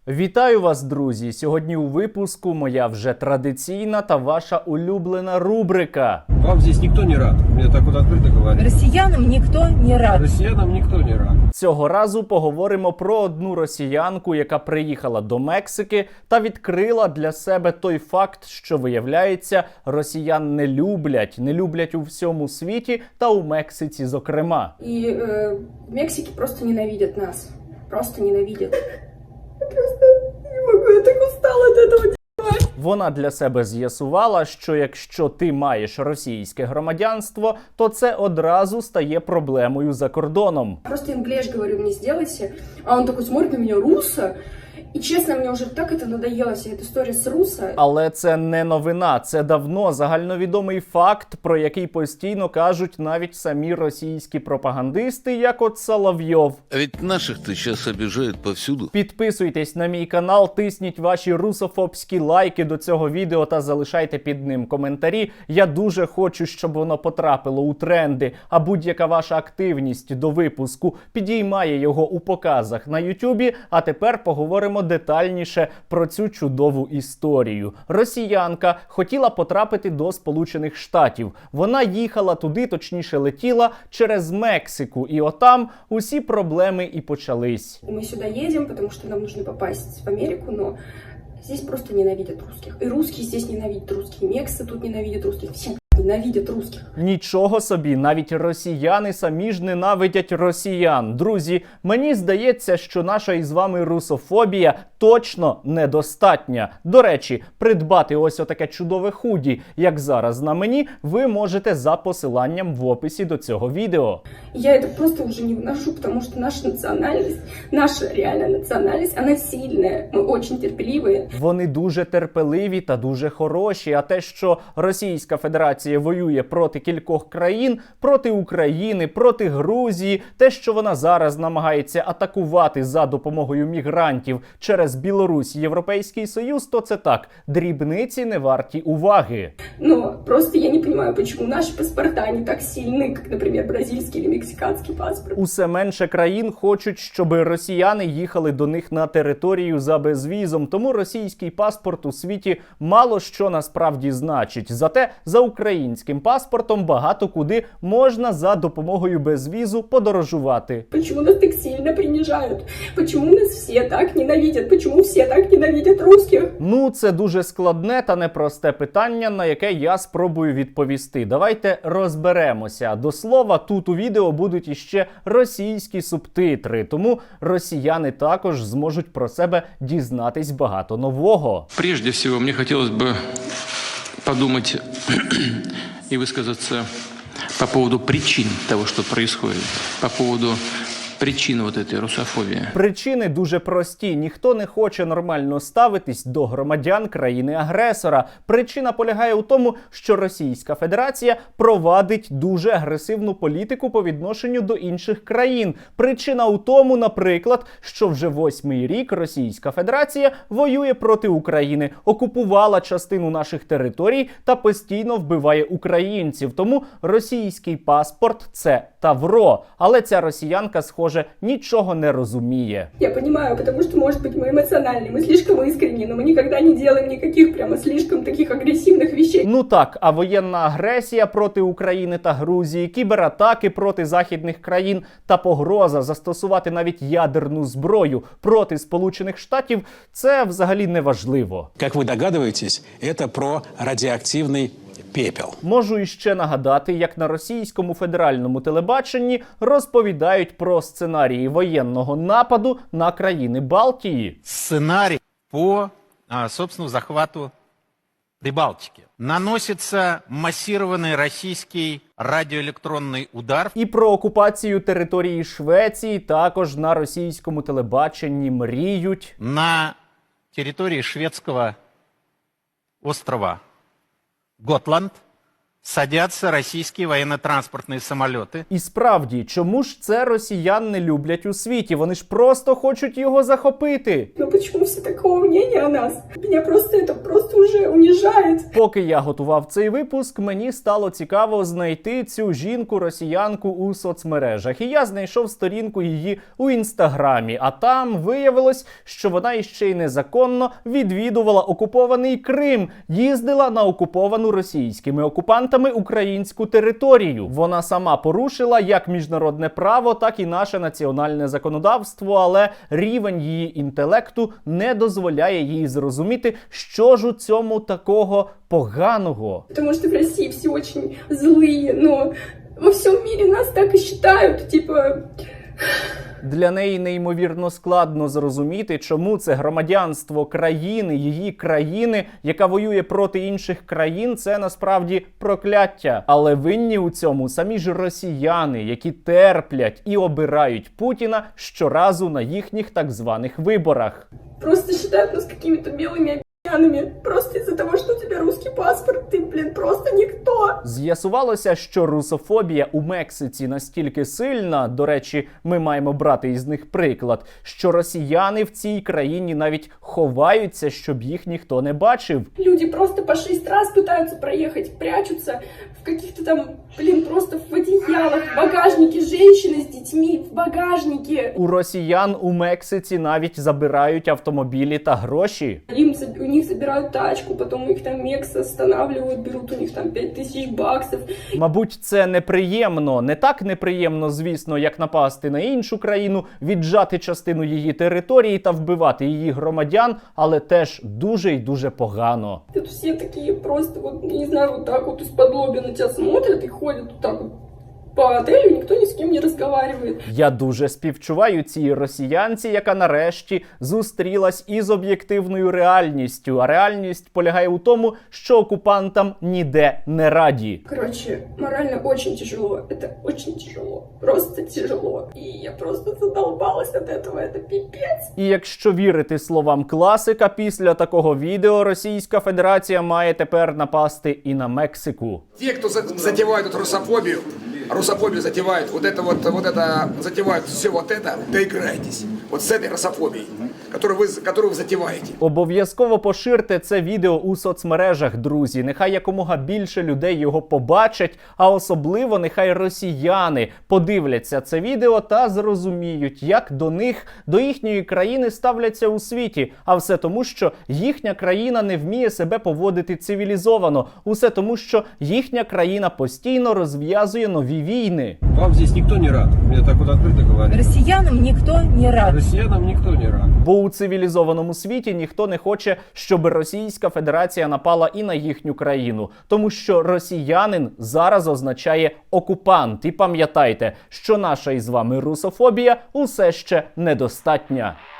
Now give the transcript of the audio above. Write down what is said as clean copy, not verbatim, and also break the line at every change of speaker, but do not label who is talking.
Вітаю вас, друзі! Сьогодні у випуску моя вже традиційна та ваша улюблена рубрика.
Вам здесь никто не рад. Мне так вот открыто говорят.
Россиянам никто не рад.
Россиянам никто не рад.
Цього разу поговоримо про одну росіянку, яка приїхала до Мексики та відкрила для себе той факт, що, виявляється, росіян не люблять у всьому світі та у Мексиці зокрема.
И в Мексике просто ненавидят нас. Просто ненавидят. Я просто не могу, я так устала от этого.
Вона для себе з'ясувала, що якщо ти маєш російське громадянство, то це одразу стає проблемою за кордоном.
Просто инглиш говорю, мне сделайте. А он такой смотрит на меня, руссо. И честно, мне уже так это надоело, вся эта история с руссо.
Але це не новина, це давно загальновідомий факт, про який постійно кажуть навіть самі російські пропагандисти, як от Соловйов.
А ведь наших-то сейчас обижают повсюду.
Підписуйтесь на мій канал, тисніть ваші русофобські лайки до цього відео та залишайте під ним коментарі. Я дуже хочу, щоб воно потрапило у тренди, а будь-яка ваша активність до випуску підіймає його у показах на Ютубі. А тепер поговоримо детальніше про цю чудову історію. Росіянка хотіла потрапити до Сполучених Штатів. Вона їхала туди, точніше летіла через Мексику. І отам усі проблеми і почались.
Мы сюда едем, потому что нам нужно попасть в Америку, но здесь просто ненавидят русских. И русские здесь ненавидят русских. И мексы тут ненавидят русских. Все ненавидят русских.
Нічого собі, навіть росіяни самі ж ненавидять росіян. Друзі, мені здається, що наша із вами русофобія точно недостатня. До речі, придбати ось отаке чудове худі, як зараз на мені, ви можете за посиланням в описі до цього відео.
Я это просто уже не вношу, потому что наша национальность, наша реальная национальность, она сильная. Мы очень терпеливые.
Вони дуже терпеливі та дуже хороші, а те, що Російська Федерація воює проти кількох країн, проти України, проти Грузії, те, що вона зараз намагається атакувати за допомогою мігрантів через Білорусь, Європейський Союз, то це так, дрібниці не варті уваги.
Но просто я не понимаю, почему наши паспорта не так сильны, как, например, бразильский или мексиканский паспорт.
Усе менше країн хочуть, щоб росіяни їхали до них на територію за безвізом, тому російський паспорт у світі мало що насправді значить. Зате за українським паспортом багато куди можна за допомогою безвізу подорожувати.
Почему нас так сильно принижают? Почему нас все так ненавидят? Почему все так ненавидят русских?
Ну, це дуже складне та непросте питання, на яке я спробую відповісти. Давайте розберемося. До слова, тут у відео будуть іще російські субтитри, тому росіяни також зможуть про себе дізнатись багато нового.
Прежде всего, мне хотелось бы подумать и высказаться по поводу причин того, что происходит, по поводу причин вот этой русофобии.
Причини дуже прості. Ніхто не хоче нормально ставитись до громадян країни-агресора. Причина полягає у тому, що Російська Федерація провадить дуже агресивну політику по відношенню до інших країн. Причина у тому, наприклад, що вже 8-й рік Російська Федерація воює проти України, окупувала частину наших територій та постійно вбиває українців. Тому російський паспорт – це тавро. Але ця росіянка, схоже, нічого не розуміє.
Я понимаю, потому что, может быть, мы эмоциональны, мы слишком искренни, но мы никогда не делаем никаких прямо слишком таких агрессивных вещей.
Ну так, а воєнна агресія проти України та Грузії, кібератаки проти західних країн та погроза застосувати навіть ядерну зброю проти Сполучених Штатів – це взагалі не важливо.
Как вы догадываетесь, это про радиоактивный пепел.
Можу іще нагадати, як на російському федеральному телебаченні розповідають про сценарії воєнного нападу на країни Балтії.
Сценарий по, собственно, захвату Прибалтики. Наносится массированный российский радиоэлектронный удар.
І про окупацію території Швеції також на російському телебаченні мріють.
На территории шведского острова Готланд садятся российские военно-транспортные самолеты.
І справді, чому ж це росіян не люблять у світі? Вони ж просто хочуть його захопити.
Но почему все такого мнения о нас? Меня просто это просто уже унижает.
Поки я готував цей випуск, мені стало цікаво знайти цю жінку-росіянку у соцмережах. І я знайшов сторінку її у інстаграмі. А там виявилось, що вона іще й незаконно відвідувала окупований Крим, їздила на окуповану російськими окупантами українську територію. Вона сама порушила як міжнародне право, так і наше національне законодавство, але рівень її інтелекту не дозволяє їй зрозуміти, що ж у цьому такого поганого.
Потому что в России все очень злые, но во всем мире нас так и считают, типа...
Для неї неймовірно складно зрозуміти, чому це громадянство країни, її країни, яка воює проти інших країн, це насправді прокляття. Але винні у цьому самі ж росіяни, які терплять і обирають Путіна щоразу на їхніх так званих виборах.
Просто считают нас какими-то белыми обезьянами. Просто из-за того, что у тебя русский паспорт, ты, блин, просто никто.
З'ясувалося, що русофобія у Мексиці настільки сильна, до речі, ми маємо брати із них приклад, що росіяни в цій країні навіть ховаються, щоб їх ніхто не бачив.
Люди просто по 6 раз пытаются проехать, прячутся в каких-то там, блин, просто в одеялах, в багажнике, женщины с детьми в багажнике.
У росіян у Мексиці навіть забирають автомобілі та гроші.
У них забирают тачку, потом их там мексы останавливают, берут у них там 5000 баксов.
Мабуть, це неприємно. Не так неприємно, звісно, як напасти на іншу країну, віджати частину її території та вбивати її громадян, але теж дуже і дуже погано.
Тут все такие просто, вот, не знаю, вот так вот из-под лобя на тебя смотрят и ходят вот так вот по отелю, никто ни с кем не разговаривает.
Я дуже співчуваю цій росіянці, яка нарешті зустрілась із об'єктивною реальністю. А реальність полягає у тому, що окупантам ніде не раді.
Короче, морально очень тяжело. Это очень тяжело. Просто тяжело. И я просто задолбалась от этого. Это пипец.
І якщо вірити словам класика, після такого відео Російська Федерація має тепер напасти і на Мексику.
Те, кто затевают эту русофобию затевают, вот это затевают все вот это, доиграйтесь. Вот с этой русофобией, которую вы затеваете.
Обов'язково поширте це відео у соцмережах, друзі. Нехай якомога більше людей його побачать, а особливо нехай росіяни подивляться це відео та зрозуміють, як до них, до їхньої країни ставляться у світі. А все тому, що їхня країна не вміє себе поводити цивілізовано. Усе тому, що їхня країна постійно розв'язує нові війни.
Вам здесь никто не рад. Мне так вот открыто говорят.
Россиянам никто не рад.
Россиянам никто не рад.
Бо у цивілізованому світі ніхто не хоче, щоб Російська Федерація напала і на їхню країну. Тому що росіянин зараз означає окупант. І пам'ятайте, що наша із вами русофобія усе ще недостатня.